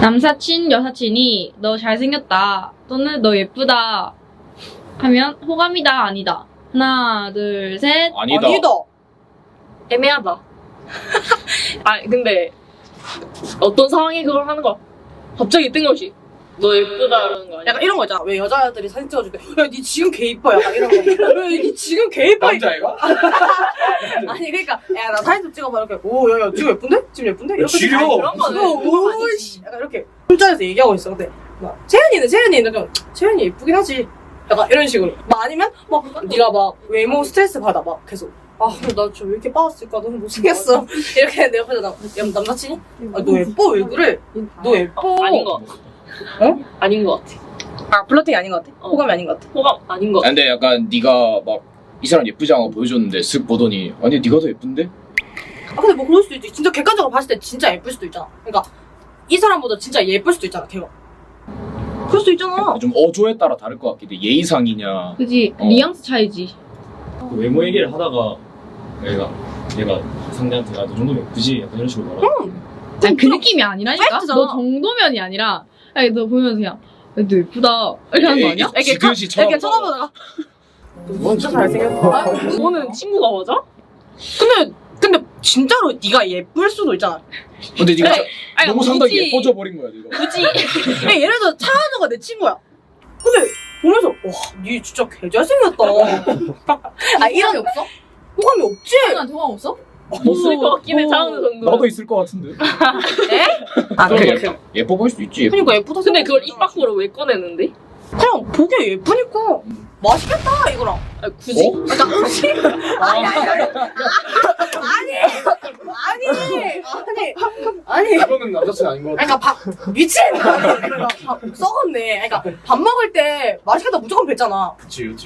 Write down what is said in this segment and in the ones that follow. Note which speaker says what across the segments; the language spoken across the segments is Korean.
Speaker 1: 남사친, 여사친이 너 잘생겼다 또는 너 예쁘다 하면 호감이다 아니다. 하나, 둘, 셋.
Speaker 2: 아니다.
Speaker 3: 애매하다. 아 근데 어떤 상황에 그걸 하는 거야? 갑자기 뜬금없이 너 예쁘다 이러는 거 아니야?
Speaker 4: 약간 이런 거 있잖아. 왜 여자들이 사진 찍어줄 때, 야, 니 지금 개 이뻐. 약간 이런 거. 야, 니 지금 개 이뻐.
Speaker 2: 남자애가?
Speaker 4: 아니, 그러니까, 야, 나 사진 좀 찍어봐. 이렇게, 오, 야, 지금 예쁜데? 지금 예쁜데? 이렇게.
Speaker 2: 지려.
Speaker 4: 아니,
Speaker 3: 그런 거는
Speaker 4: 오,
Speaker 3: 그건
Speaker 4: 오,
Speaker 3: 아니지.
Speaker 4: 씨. 약간 이렇게. 술자리에서 얘기하고 있어. 근데, 막, 채연이는 좀, 채연이 예쁘긴 하지. 약간 이런 식으로. 막 아니면, 막, 니가 막, 외모 스트레스 받아. 막, 계속. 아, 나 저 왜 이렇게 빠졌을까? 너무 못생겼어. 이렇게 내 옆에서 남사친이? 아, 너 예뻐? 왜 그래? 너 예뻐?
Speaker 3: 아닌 거 같아.
Speaker 4: 어?
Speaker 3: 아닌 거 같아.
Speaker 4: 아, 플러팅이 아닌 것 같아?
Speaker 3: 어.
Speaker 4: 호감이 아닌 것 같아?
Speaker 3: 호감 아닌 거 같아.
Speaker 2: 근데 약간 네가 막 이 사람 예쁘지 않아 보여줬는데 쓱 보더니 아니 네가 더 예쁜데?
Speaker 4: 아 근데 뭐 그럴 수도 있지. 진짜 객관적으로 봤을 때 진짜 예쁠 수도 있잖아. 그러니까 이 사람보다 진짜 예쁠 수도 있잖아. 걔가. 그럴 수도 있잖아.
Speaker 2: 좀 어조에 따라 다를 것 같긴 해. 예의상이냐.
Speaker 1: 그지?
Speaker 2: 어.
Speaker 1: 뉘앙스 차이지.
Speaker 5: 그 외모 얘기를 하다가 얘가 상대한테 아, 너 정도면 예쁘지? 약간 이런 식으로 말하고
Speaker 1: 아니, 그 느낌이 아니라니까?
Speaker 4: 팩트잖아.
Speaker 1: 너 정도면이 아니라 아니, 너 보면서 그냥 야, 너 예쁘다 이렇게 하는 거 아니야?
Speaker 2: 지그시
Speaker 4: 이렇게 쳐다보다가 진짜 잘생겼다.
Speaker 3: 너는 친구가 맞아?
Speaker 4: 근데 진짜로 네가 예쁠 수도 있잖아.
Speaker 2: 근데 네가
Speaker 3: 그래. 아니,
Speaker 2: 너무 상당히
Speaker 3: 굳이-
Speaker 2: 예뻐져 버린 거야 네가.
Speaker 3: 굳이
Speaker 4: 그냥 예를 들어 차은우가 내 친구야. 근데 보면서 와니 진짜 개 잘생겼다. 아 이런
Speaker 1: 없어?
Speaker 4: 호감이 없지.
Speaker 1: 나한테 호감 없어?
Speaker 3: 없을 것 같긴 해. 차은우 정도.
Speaker 2: 나도 있을 것 같은데.
Speaker 4: 아
Speaker 2: 그래,
Speaker 4: 그래.
Speaker 2: 예뻐 보일 수도 있지.
Speaker 4: 그러니까 예쁘다.
Speaker 3: 근데 그걸 입
Speaker 4: 생각하잖아.
Speaker 3: 밖으로 왜 꺼내는데?
Speaker 4: 그냥 보기에 예쁘니까 맛있겠다 이거랑.
Speaker 3: 아, 굳이?
Speaker 2: 어?
Speaker 4: 그러니까 음식 아니.
Speaker 2: 그거는 남자친구 아닌 것 같아.
Speaker 4: 그러니까 밥 미친. 그러니까 밥 썩었네. 그러니까 밥 먹을 때 맛있겠다 무조건 뱉잖아.
Speaker 2: 그치 그치.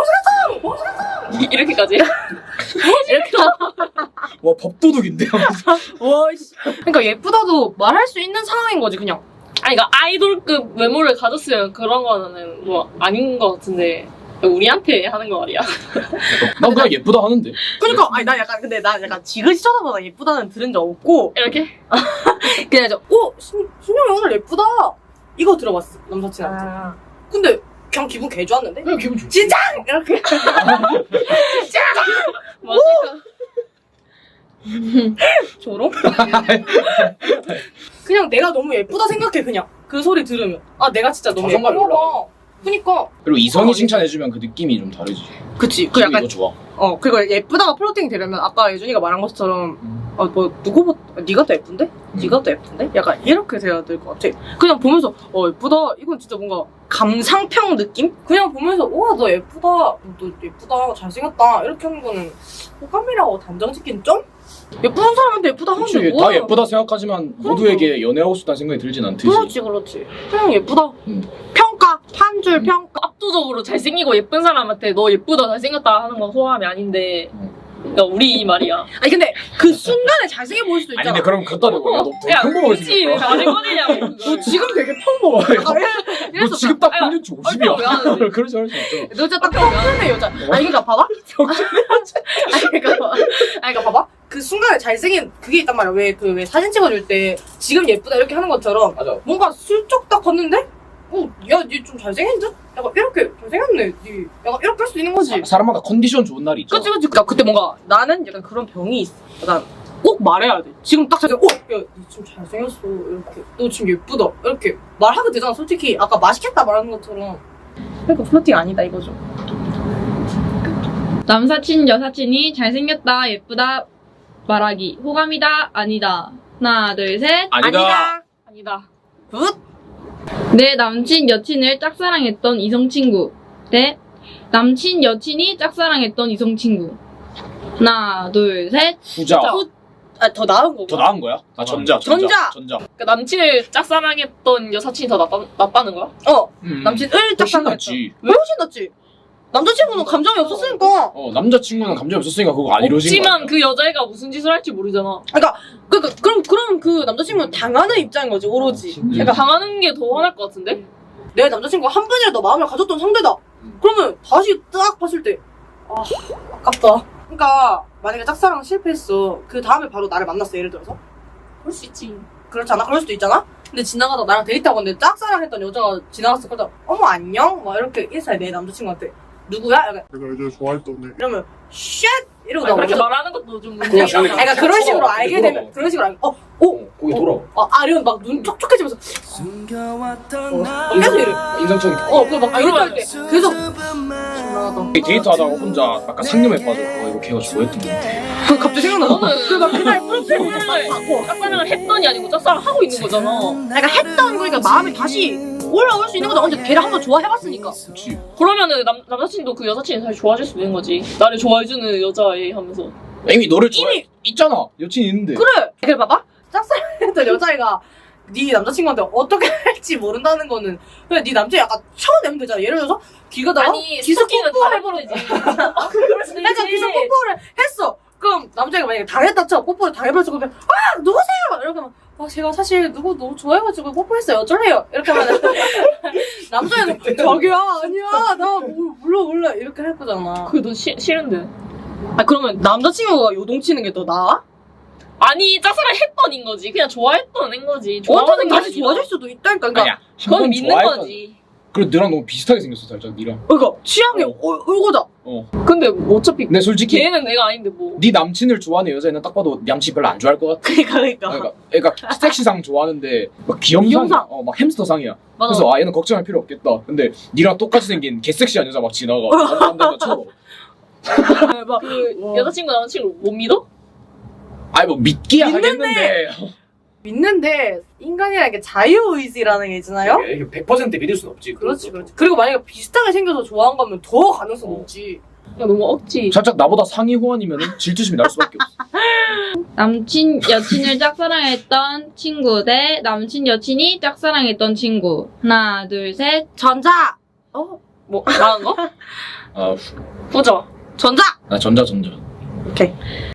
Speaker 3: 이렇게까지? 이렇게
Speaker 2: 와 밥도둑인데.
Speaker 4: 와씨. 그러니까 예쁘다도 말할 수 있는 상황인 거지 그냥.
Speaker 3: 아니 그러니까 아이돌급 외모를 가졌으면 그런 거는 뭐 아닌 것 같은데 우리한테 하는 거 말이야.
Speaker 2: 난 그냥 예쁘다 하는데.
Speaker 4: 그러니까 아니 나 약간 근데 나 약간 지그시 쳐다보다 예쁘다는 들은 적 없고
Speaker 3: 이렇게?
Speaker 4: 그냥 이제 신영이 오늘 예쁘다 이거 들어봤어 남사친한테. 근데 그냥 기분 개 좋았는데.
Speaker 2: 그냥 기분 좋지.
Speaker 4: 진짜 이렇게.
Speaker 3: 맞을까?
Speaker 4: 조롱? 그냥 내가 너무 예쁘다 생각해 그냥 그 소리 들으면 아 내가 진짜 너무
Speaker 2: 자존감이
Speaker 4: 예쁜가 봐. 그니까
Speaker 2: 그리고 이성이 칭찬해주면 그 느낌이 좀 다르지.
Speaker 4: 그치 그
Speaker 2: 기분이
Speaker 4: 약간
Speaker 2: 더 좋아.
Speaker 4: 그리고 예쁘다가 플로팅 되려면 아까 예준이가 말한 것처럼 뭐 누구보다 네가 더 예쁜데? 네가 더 예쁜데? 약간 이렇게 돼야 될 것 같아. 그냥 보면서 예쁘다 이건 진짜 뭔가 감상평 느낌? 그냥 보면서 우와 너 예쁘다 너 예쁘다 잘생겼다 이렇게 하는 거는 호감이라고 단정 짓긴 좀? 예쁜 사람한테 예쁘다 하는데
Speaker 2: 그치,
Speaker 4: 뭐야.
Speaker 2: 다 예쁘다 생각하지만 모두에게 연애하고 싶다는 생각이 들진 않듯이.
Speaker 4: 그렇지 그냥 예쁘다.
Speaker 2: 음.
Speaker 4: 평가 한 줄 평가.
Speaker 3: 압도적으로 잘생기고 예쁜 사람한테 너 예쁘다 잘생겼다 하는 건 호감이 아닌데 그러니까 우리 말이야.
Speaker 4: 아니 근데 그 순간에 잘생겨 보일 수도
Speaker 2: 아니
Speaker 4: 있잖아.
Speaker 2: 근데 그럼 갖다 대고 야너 되게
Speaker 3: 야
Speaker 2: 평범하게
Speaker 3: 굳이 왜
Speaker 2: 생겼다.
Speaker 3: 말을 꺼내냐고
Speaker 4: 너
Speaker 3: 그걸.
Speaker 4: 지금 되게 평범해.
Speaker 2: 너 지금 딱
Speaker 3: 아니,
Speaker 2: 평균치
Speaker 3: 왜 하는데?
Speaker 2: 50이야. 그러지 말수 있죠.
Speaker 4: 너 진짜 딱 평균의 여자. 아니 그러니까 봐봐. 아니 그러니까 봐봐. 그 순간에 잘생긴 그게 있단 말이야. 왜 사진 찍어줄 때 지금 예쁘다 이렇게 하는 것처럼
Speaker 2: 맞아.
Speaker 4: 뭔가 슬쩍 딱 봤는데 야 니 좀 잘생긴 듯? 약간 이렇게 잘생겼네. 니 약간 이렇게 할 수 있는 거지.
Speaker 2: 사람마다 컨디션 좋은 날이 있죠.
Speaker 4: 그치. 그러니까 그때 뭔가 나는 약간 그런 병이 있어. 난 꼭 말해야 돼. 지금 딱 잘생. 야, 니 지금 잘생겼어. 이렇게. 너 지금 예쁘다. 이렇게 말하게 되잖아. 솔직히 아까 맛있겠다 말하는 것처럼. 그러니까 플러팅 아니다 이거죠.
Speaker 1: 남사친, 여사친이 잘생겼다, 예쁘다 말하기. 호감이다, 아니다. 하나, 둘, 셋.
Speaker 2: 아니다.
Speaker 3: 아니다.
Speaker 4: 굿.
Speaker 1: 내 남친, 여친을 짝사랑했던 이성친구. 대 남친, 여친이 짝사랑했던 이성친구. 하나, 둘, 셋.
Speaker 2: 후자.
Speaker 4: 더 나은 거고.
Speaker 2: 더 나은 거야? 아 전자.
Speaker 4: 전자.
Speaker 3: 그러니까 남친을 짝사랑했던 여사친이 더 낫다는 거야?
Speaker 4: 남친을
Speaker 2: 훨씬
Speaker 4: 짝사랑했다.
Speaker 2: 낫지.
Speaker 4: 왜 훨씬 낫지? 남자친구는 감정이 없었으니까.
Speaker 2: 남자친구는 감정이 없었으니까 그거 안 이루어진 거야.
Speaker 3: 없지만 그 여자애가 무슨 짓을 할지 모르잖아.
Speaker 4: 그럼 그 남자친구는 당하는 입장인 거지 오로지.
Speaker 3: 그러니까 당하는 게 더 화날 것 같은데?
Speaker 4: 내 남자친구가 한 번이라도 마음을 가졌던 상대다. 그러면 다시 딱 봤을 때 아깝다. 그러니까 만약에 짝사랑 실패했어. 그 다음에 바로 나를 만났어 예를 들어서.
Speaker 3: 그럴 수 있지.
Speaker 4: 그렇잖아. 그럴 수도 있잖아. 근데 지나가다 나랑 데이트하고 있는데 짝사랑했던 여자가 지나갔어. 그래서 어머 안녕? 막 이렇게 인사해 내 남자친구한테. 누구야? 약간
Speaker 6: 내가 예전에 좋아했던 애.
Speaker 4: 이러면 쉣 이러고
Speaker 3: 아니, 그렇게
Speaker 4: 나오죠.
Speaker 3: 말하는 것도 좀
Speaker 2: 그냥
Speaker 3: 문제가
Speaker 2: 저는
Speaker 3: 있다.
Speaker 4: 그러니까 그런 식으로
Speaker 2: 돌아봐.
Speaker 4: 알게
Speaker 2: 돌아봐.
Speaker 4: 되면 그런 식으로 알게
Speaker 2: 거기 돌아.
Speaker 4: 이러면 막 눈 촉촉해지면서 계속 이래.
Speaker 2: 인상적인.
Speaker 4: 그거 막 이럴 때 계속 신나하다.
Speaker 2: 데이트하다가 혼자 약간 상념에 빠져. 이거 걔가 좋아했던 데
Speaker 4: 그 갑자기 생각나서
Speaker 3: 너는 그날 프로필 짝사랑을 했더니 아니고 짝사랑 하고 있는 거잖아.
Speaker 4: 그러니까 했던 거니까 마음이 다시 올라올 수 있는 거죠. 언제 걔를 한번 좋아해봤으니까.
Speaker 2: 그렇지.
Speaker 3: 그러면은 남자친구도 그 여사친이 다시 좋아질 수도 있는 거지. 나를 좋아해주는 여자애 하면서.
Speaker 2: 이미 너를 좋아해. 있잖아. 여친 있는데.
Speaker 4: 그래. 그래 봐봐. 짝사랑했던 여자애가 네 남자친구한테 어떻게 할지 모른다는 거는 그냥 네 남자 약간 쳐내면 되잖아. 예를 들어서 길 가다가
Speaker 3: 아니
Speaker 4: 기습
Speaker 3: 스토킹은
Speaker 4: 뽀뽀를
Speaker 3: 다
Speaker 4: 해버려.
Speaker 3: 해버리지.
Speaker 4: 그러니까 기습 뽀뽀를 했어. 그럼 남자애가 만약에 당했다 쳐 뽀뽀를 당해버렸어. 그러면 아 누구세요? 이렇게 하면 제가 사실 누구 너무 좋아해가지고 뽀뽀했어요. 어쩔래요? 이렇게 하면 남자애는 자기야 아니야 나 몰라 이렇게 할 거잖아.
Speaker 3: 그래도 싫은데.
Speaker 4: 그러면 남자친구가 요동치는 게 더 나아?
Speaker 3: 아니 짝사랑 했던 인 거지. 그냥 좋아했던 인 거지.
Speaker 4: 어쨌든
Speaker 3: 좋아하는 게
Speaker 4: 다시
Speaker 3: 아니라.
Speaker 4: 좋아질 수도 있다니까. 그러니까
Speaker 2: 아니야.
Speaker 3: 그건 믿는 거지.
Speaker 2: 그래 너랑 너무 비슷하게 생겼어 살짝 니랑.
Speaker 4: 그러니까 취향이 울고다.
Speaker 3: 근데 어차피
Speaker 2: 근데 솔직히
Speaker 3: 걔는 내가 아닌데 뭐.
Speaker 2: 네 남친을 좋아하는 여자애는 딱 봐도 남친 별로 안 좋아할 것 같아. 그러니까 섹시상 좋아하는데 막 귀염상이야.
Speaker 4: 귀염상.
Speaker 2: 막 햄스터상이야.
Speaker 4: 맞아.
Speaker 2: 그래서 얘는 걱정할 필요 없겠다. 근데 니랑 똑같이 생긴 개섹시한 여자 막 지나가. 안된다 쳐도.
Speaker 4: 막
Speaker 3: 그 여자친구 남자친구 못 믿어?
Speaker 2: 아니 뭐 믿기야
Speaker 4: 믿는데.
Speaker 2: 하겠는데.
Speaker 4: 믿는데 인간이라는 게 자유의지라는 게 있잖아요.
Speaker 2: 이게 100% 믿을 순 없지.
Speaker 4: 그렇지. 그리고 만약에 비슷하게 생겨서 좋아한 거면 더 가능성 높지.
Speaker 3: 야 너무 억지.
Speaker 2: 살짝 나보다 상위 호환이면 질투심이 날 수밖에 없어.
Speaker 1: 남친 여친을 짝사랑했던 친구 대 남친 여친이 짝사랑했던 친구. 하나 둘 셋.
Speaker 4: 전자.
Speaker 3: 뭐 나은 거?
Speaker 2: 아,
Speaker 3: 후자.
Speaker 4: 전자.
Speaker 2: 나 전자.
Speaker 4: 오케이.